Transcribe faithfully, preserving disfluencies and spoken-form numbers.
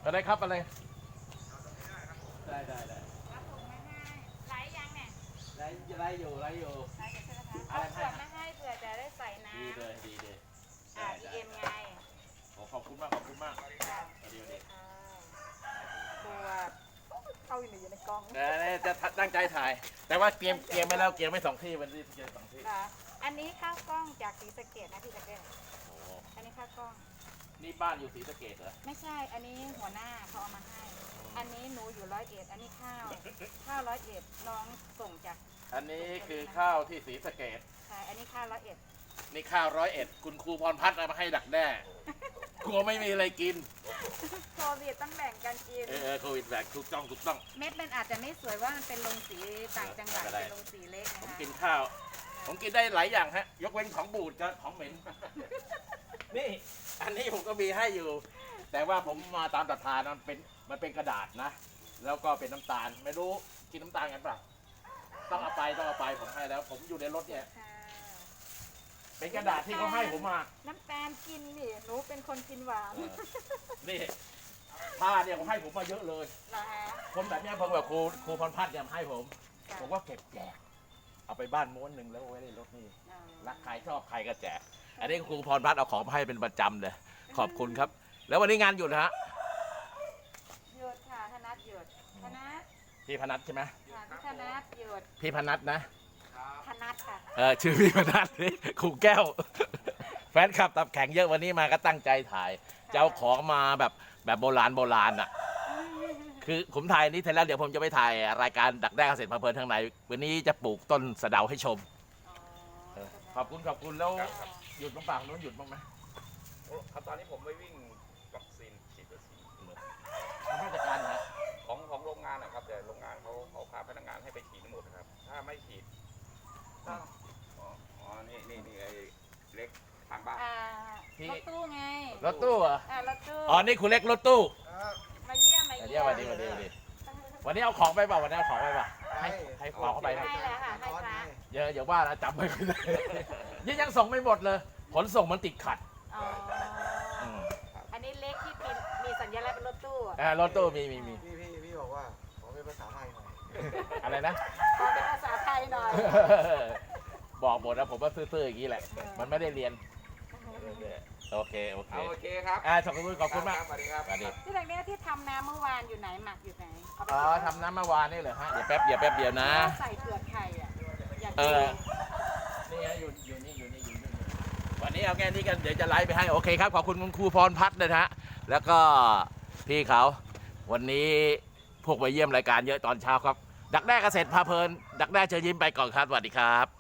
อะไรครับอะไรได้ได้ได้รับถุงมาให้ไลฟ์ยังเนี่ยไรไรอยู่ไรอยู่ไลฟ์กันใช่ไหมคะเอาขวดมาให้เผื่อจะได้ใส่น้ำดีเลยดีเลยอ่าพีเอ็มไงขอบคุณมากขอบคุณมากค่ะเดี๋ยวเดี๋ยวตัวเข้าอยู่ในกล้องเดี๋ยวจะตั้งใจถ่าย แต่ว่าเตรียมเตรียมไปแล้วเตรียมไม่สองที่วันนี้เตรียมสองที่ค่ะอันนี้ข้าวกล้องจากศรีสะเกษนะพี่ตะเกียบโอ้อันนี้ข้าวกล้องนี่บ้านอยู่ศรีสะเกษเหรอไม่ใช่ อันนี้หัวหน้าเขาเอามาให้ อันนี้หนูอยู่ร้อยเอ็ด อันนี้ข้าว ข้าวร้อยเอ็ดน้องส่งจากอันนี้คือข้าวที่ศรีสะเกษใช่ อันนี้ข้าวร้อยเอ็ดนี่ข้าวร้อยเอ็ดคุณครูพรพัฒน์เอามาให้ดักแด้กลัวไม่มีอะไรกินโควิดต้องแบ่งกันกินเออเออโควิดแบกถูกต้องถูกต้องเม็ดมันอาจจะไม่สวยว่ามันเป็นลงสีต่างจังหวัดไม่เป็นไรเป็นลงสีเล็กนะผมคะกินข้าว ผมกินได้หลายอย่างฮะ ยกเว้นของบูดกับของเหม็น นี่ อันนี้ผมก็มีให้อยู่ แต่ว่าผมมาตามศรัทธานะมันเป็นมันเป็นกระดาษนะ แล้วก็เป็นน้ำตาล ไม่รู้กินน้ำตาลกันเปล่าต้องเอาไปต้องเอาไปผมให้แล้ว ผมอยู่ในรถเนี่ยค่ะเป็นกระดาษที่เขาให้ผมมาน้ำตาลกินนี่หนูเป็นคนกินหวานเออนี่ผ้าเนี่ยเขาให้ผมมาเยอะเลยเหรอฮะคนแบบเนี้ยเพิ่งแบบครูครูพรพัฒน์เนี่ยให้ผมค่ะผมก็เก็บแจก เอาไปบ้านม้วนหนึ่งแล้วเอาไว้ในรถนี่อ๋อรักใครชอบใครก็แจก อันนี้ครูพรพัฒน์เอาของมาให้เป็นประจำเลย ขอบคุณครับ แล้ววันนี้งานหยุดนะฮะหยุดค่ะธนัทหยุดธนัทพี่พนัทใช่ไหมค่ะพี่ธนัทหยุดพี่พนัทนะธนัทค่ะเออชื่อพี่พนัทนี่ครูแก้ว แฟนคลับตับแข็งเยอะวันนี้มาก็ตั้งใจถ่ายจะเอาของมาแบบแบบโบราณโบราณอ่ะ คือผมถ่ายนี้เสร็จแล้วเดี๋ยวผมจะไปถ่ายรายการดักแด้เกษตรพาเพลินทางในวันนี้จะปลูกต้นสะเดาให้ชมอ๋อเออขอบคุณขอบคุณแล้วครับครับหยุดบ้างเปล่านู้นหยุดบ้างไหมโอ้ครับตอนนี้ผมไปวิ่งวัคซีนฉีดวัคซีนทางราชการนะของของโรงงานนะครับ แต่โรงงานเขาเขาพาพนักงานให้ไปฉีดทั้งหมดนะครับ ถ้าไม่ฉีดอ๋ออ๋อนี่นี่นี่ไอ้เล็กทางบ้านอ่ารถตู้ไงรถตู้เหรออ่ารถตู้อ๋อนี่คุณเล็กรถตู้มาเยี่ยมมาเดี๋เยี่ยยว มวันนี้วันนี้วันนี้วันนี้เอาของไปเปล่าวันนี้เอาของไปเปล่าให้ให้ของเข้าไปนะให้แล้วค่ะให้พระเยอะอย่าว่านะจำไม่ได้ยังยังส่งไม่หมดเลยขนส่งมันติดขัดอ๋ออมอันนี้เล็กที่มีมีสัญลักษณ์เป็นรถตู้อะอ่ารถตู้มีมีมีพี่พี่พี่บอกว่าขอเป็นภาษาไทยหน่อยอะไรนะขอเป็นภาษาไทยหน่อยบอกหมดนะผมว่าซื่อๆอย่างนี้แหละ มันไม่ได้เรียนโอเคโอเคเอาโอเคครับอ่าขอบคุณขอบคุณมากรับสวัสดีครับสวัสดีที่ตรงเนี้ยที่ทำน้ำเมื่อวานอยู่ไหนหมักอยู่ไหนเาไปอ๋อทำน้ำเมื่อวานนี่เหรอฮะเดี๋ยวแป๊บเดียวแป๊บเดียวนะใส่เปลือกไข่อ่ะอยากเอกินอ นี่ฮะอยู่อยู่นี่อยู่นี่อยู่นี่วันนี้เอาแค่นี้กันเดี๋ยวจะไลฟ์ไปให้โอเคครับขอบคุณคุณครูพรพัฒน์นะฮะแล้วก็พี่เขาวันนี้พวกไปเยี่ยมรายการเยอะตอนเช้าครับ ดักแด้เกษตรพาเพลิน ดักแด้เชิญยิ้มไปก่อนครับสวัสดีครับ